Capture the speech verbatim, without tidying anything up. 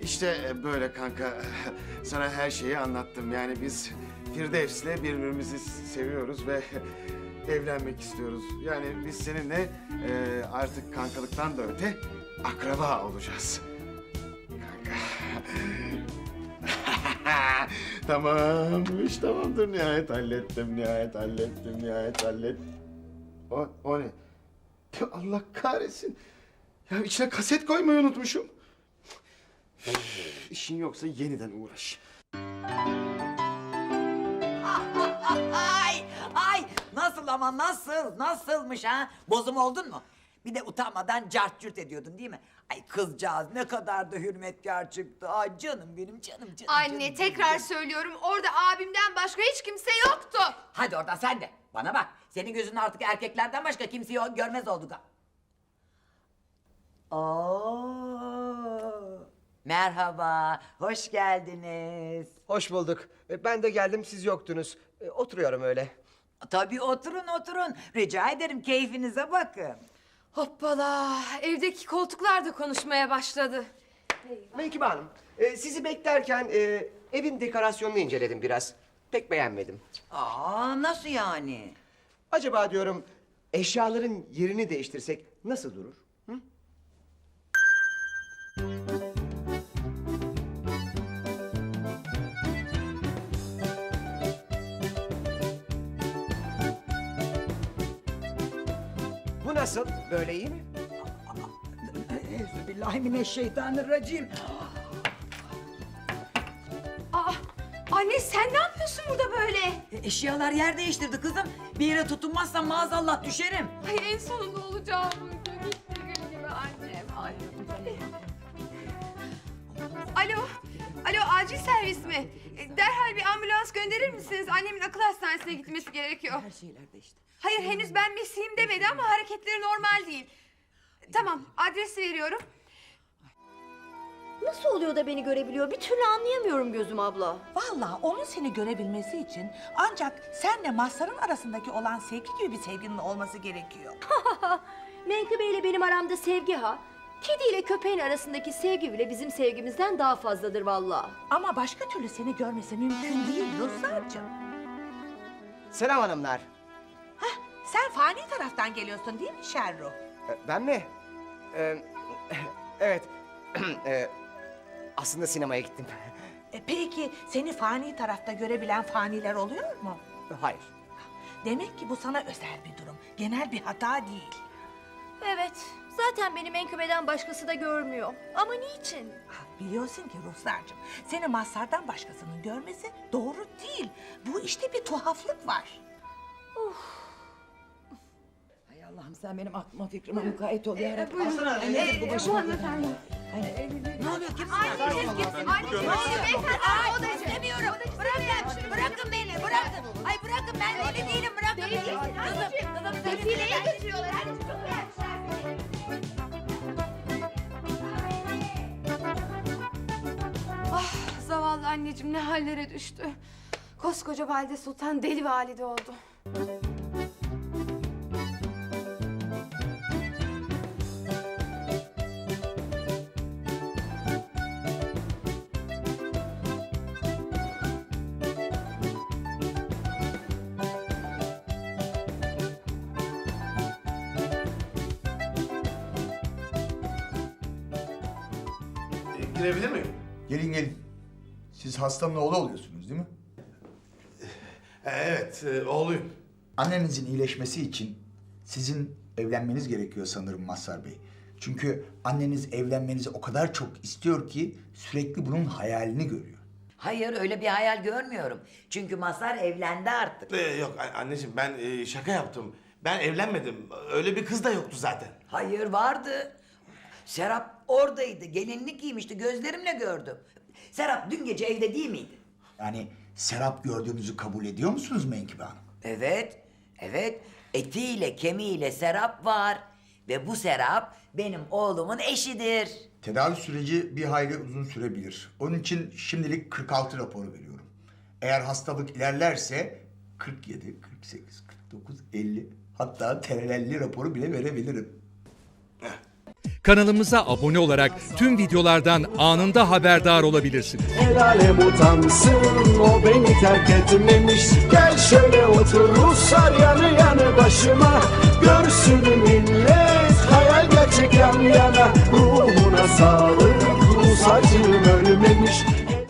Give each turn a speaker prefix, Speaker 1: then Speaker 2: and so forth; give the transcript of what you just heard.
Speaker 1: İşte e, böyle kanka. Sana her şeyi anlattım. Yani biz Firdevs'le birbirimizi seviyoruz ve evlenmek istiyoruz. Yani biz seninle e, artık kankalıktan da öte akraba olacağız. Kanka. Tamammış, tamamdır. Nihayet hallettim, nihayet hallettim, nihayet hallettim. O, o ne? Ya Allah kahretsin. Ya içine kaset koymayı unutmuşum. Üf, İşin yoksa yeniden uğraş.
Speaker 2: Ay, ay nasıl ama nasıl, nasılmış ha? Bozum oldun mu? Bir de utanmadan cart cürt ediyordun değil mi? Ay kızcağız ne kadar da hürmetkar çıktı. Ay canım benim canım canım.
Speaker 3: Anne
Speaker 2: canım,
Speaker 3: tekrar
Speaker 2: canım.
Speaker 3: söylüyorum orada abimden başka hiç kimse yoktu.
Speaker 2: Hadi oradan sen de. Bana bak. Senin gözün artık erkeklerden başka kimseyi o- görmez oldu da. Oo. Merhaba, hoş geldiniz.
Speaker 4: Hoş bulduk. E, Ben de geldim, siz yoktunuz. E, Oturuyorum öyle.
Speaker 2: Tabii oturun oturun. Rica ederim keyfinize bakın.
Speaker 3: Hoppala evdeki koltuklar da konuşmaya başladı.
Speaker 4: Menkıbe Hanım, e, sizi beklerken e, evin dekorasyonunu inceledim biraz. Pek beğenmedim.
Speaker 2: Aa nasıl yani?
Speaker 4: Acaba diyorum eşyaların yerini değiştirsek nasıl durur? Hı? Bu nasıl? Böyle iyi mi?
Speaker 2: Euzubillahimineşşeytanirracim.
Speaker 3: Aa, anne sen ne yapıyorsun burada böyle?
Speaker 2: E, Eşyalar yer değiştirdi kızım. Bir yere tutunmazsam maazallah düşerim.
Speaker 3: Ay en sonunda olacağı buydu. Gitti gül gibi annem. Ay. Alo, alo acil servis mi? E, Derhal bir ambulans gönderir misiniz? Annemin akıl hastanesine gitmesi gerekiyor.
Speaker 2: Her şeyler değişti.
Speaker 3: Hayır henüz ben mesleğim demedi ama hareketleri normal değil. Tamam adresi veriyorum.
Speaker 5: Nasıl oluyor da beni görebiliyor? Bir türlü anlayamıyorum gözüm abla.
Speaker 6: Vallahi onun seni görebilmesi için ancak senle Mazhar'ın arasındaki olan sevgi gibi bir sevginin olması gerekiyor.
Speaker 5: Menkıbe ile benim aramda sevgi ha. Kedi ile köpeğin arasındaki sevgi bile bizim sevgimizden daha fazladır vallahi.
Speaker 6: Ama başka türlü seni görmesi mümkün değil Ruslarcığım.
Speaker 4: Selam hanımlar.
Speaker 6: Hah, sen fani taraftan geliyorsun değil mi Şerru?
Speaker 4: E, Ben mi? E, evet. E, Aslında sinemaya gittim.
Speaker 6: E, peki seni fani tarafta görebilen faniler oluyor mu?
Speaker 4: Hayır.
Speaker 6: Demek ki bu sana özel bir durum. Genel bir hata değil.
Speaker 5: Evet, zaten beni Menkıbe'den başkası da görmüyor. Ama niçin?
Speaker 6: Ah, biliyorsun ki Ruslarcığım, seni Mazhar'dan başkasının görmesi doğru değil. Bu işte bir tuhaflık var.
Speaker 2: Hay Allah'ım sen benim aklıma fikrime mukayyet ol ya Rabbi.
Speaker 3: Buyurun.
Speaker 2: Ay, nedir bu
Speaker 3: Ee,
Speaker 2: başıma?
Speaker 3: hanımefendi.
Speaker 2: Ne oluyor kimsin?
Speaker 3: Anneciğim kimsin? Anneciğim. Beyefendi o da istemiyorum. Bırakın, bırakın beni, bırakın. Ay bırakın ben deli değilim, bırakın beni. Kızım, kızım. Defileye götürüyorlar. Hadi çok Ah zavallı anneciğim ne hallere düştü. Koskoca valide sultan deli valide oldu.
Speaker 1: E, girebilir miyim?
Speaker 7: Gelin gelin. Siz hastanın oğlu oluyorsunuz değil mi?
Speaker 1: E, evet, e, oğluyum.
Speaker 7: Annenizin iyileşmesi için sizin evlenmeniz gerekiyor sanırım Mazhar Bey. Çünkü anneniz evlenmenizi o kadar çok istiyor ki sürekli bunun hayalini görüyor.
Speaker 2: Hayır öyle bir hayal görmüyorum. Çünkü Mazhar evlendi artık.
Speaker 8: Ee, yok a- anneciğim ben e, şaka yaptım. Ben evlenmedim. Öyle bir kız da yoktu zaten.
Speaker 2: Hayır vardı. Serap oradaydı. Gelinlik giymişti. Gözlerimle gördüm. Serap dün gece evde değil miydi?
Speaker 7: Yani Serap gördüğünüzü kabul ediyor musunuz Menkıbe Hanım?
Speaker 2: Evet. Evet. Etiyle kemiğiyle Serap var. Ve bu Serap benim oğlumun eşidir.
Speaker 7: Tedavi süreci bir hayli uzun sürebilir. Onun için şimdilik kırk altı raporu veriyorum. Eğer hastalık ilerlerse kırk yedi, kırk sekiz, kırk dokuz, elli hatta terelelli raporu bile verebilirim.
Speaker 9: kanalımıza abone olarak tüm videolardan anında haberdar olabilirsiniz.
Speaker 10: El alem utansın, o beni terk etmemiş. Gel şöyle otur Ruslar yanı yanı başıma. Görsün millet hayal gerçek yan yana. Ruhuna sağlık.